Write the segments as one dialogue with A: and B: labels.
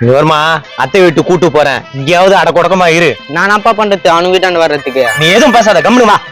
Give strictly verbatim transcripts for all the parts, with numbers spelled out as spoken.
A: வருமா அத்தை வீட்டு கூட்டு போறேன், இங்கேயாவது அட கொடக்கமா இரு.
B: நான் அப்பா பண்றது அவனு வீட்டாண்டு வர்றதுக்கு.
A: நீ எதுவும் பேசாத, கம்முனு வா.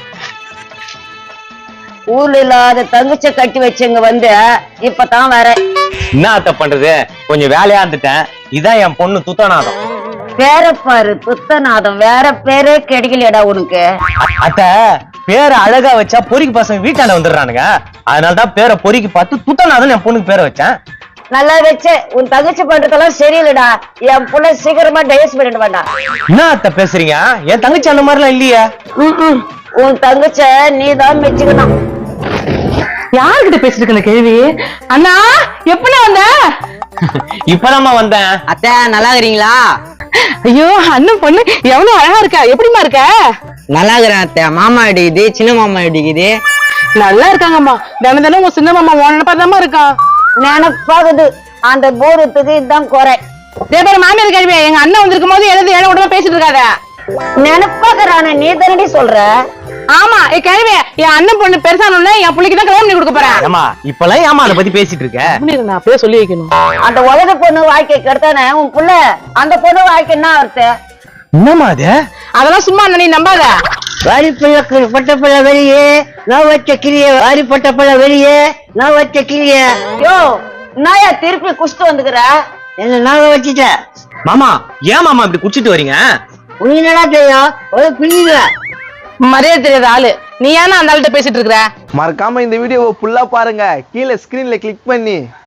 C: ஊர்ல இல்லாத தங்கச்ச கட்டி வச்சவங்க வந்து இப்பதான் வர.
A: என்ன அத்தை பண்றது, கொஞ்சம் வேலையா இருந்துட்டேன். இதான் என் பொண்ணு துத்தநாதம்.
C: பேர பாரு துத்தநாதம், வேற பேரே கிடைக்கலையடா உனக்கு.
A: அத்தை பேரை அழகா வச்சா பொறிக்கு பசங்க வீட்டாண்ட வந்துடுறானுங்க. அதனாலதான் பேரை பொறிக்கு பார்த்து துத்தநாதன் என் பொண்ணுக்கு பேரை வச்சேன்.
C: நல்லா வச்ச. உன் தங்கச்சி பண்றதெல்லாம் சரியில்லடா. என் புள்ள சீக்கிரமா டைவர்ஸ் பண்ணிட்டு வேண்டாம்.
A: என்ன அத்தை பேசுறீங்க, என் தங்கச்சி அந்த மாதிரிலாம் இல்லையே.
C: உன் தங்கச்ச நீதான் மெச்சுக்கணும்.
D: யாருக்கிட்ட பேசிட்டு இருக்க கேள்வி? அண்ணா எப்படி வந்த?
A: இப்பதாம்மா வந்தேன்.
B: அத்தை நல்லா இருக்கிறீங்களா?
D: ஐயோ அண்ணன் பொண்ணு எவ்வளவு அழகா இருக்கா, எப்படிமா இருக்க?
B: நல்லா இருக்கிறேன் அத்தை. மாமா அடிக்குது, சின்ன மாமா அடிக்குது.
D: நல்லா இருக்காங்கம்மா. தினம் தினம் உங்க சின்ன மாமா உன்ன பார்த்தாம இருக்கான்.
C: நினப்பாகுது அந்த போரத்துக்கு இதுதான் குறை.
D: இதே பேர் மாமியார் கேள்வி, எங்க அண்ணன் வந்திருக்கும் போது எழுதி ஏழை உடனே பேசிட்டு இருக்காத.
C: நினப்பாக்குறான நீ தானடி சொல்ற.
D: ஆமா ஏ கேள்வி, என் அண்ணன் பொண்ணு பெருசானோட என் பிள்ளைக்கு தான் கல்யாணம் பண்ணி கொடுக்க போறேன்.
A: ஏமா இப்பெல்லாம் ஏமா அதை பத்தி பேசிட்டு இருக்க?
D: நான் அப்படியே சொல்லி வைக்கணும்.
C: அந்த உலக பொண்ணு வாழ்க்கை கெடுத்தானே உன் புள்ள. அந்த பொண்ணு வாழ்க்கை என்ன அர்த்த?
A: என்னமா அது?
D: அதெல்லாம் சும்மா நீ நம்பாத.
C: வாரி பிள்ளை பட்ட பிள்ளை வெளியே நான் வச்ச கிளிய, வாரி பட்ட பிள்ளை வெளியே நான் வச்ச கிளிய. யோ நாயா திருப்பி குஷ்டு வந்துக்கிற என்ன நாங்க வச்சுட்ட.
A: மாமா ஏன் மாமா இப்படி குடிச்சிட்டு வரீங்க?
C: உனக்கு என்னடா தெரியும்? ஒரு பிள்ளைங்க
D: மரியாதை தெரியாத ஆளு நீ ஏன்னா அந்த ஆள்கிட்ட பேசிட்டு இருக்கிற?
E: மறக்காம இந்த வீடியோவை ஃபுல்லா பாருங்க, கீழே ஸ்கிரீன்ல கிளிக் பண்ணி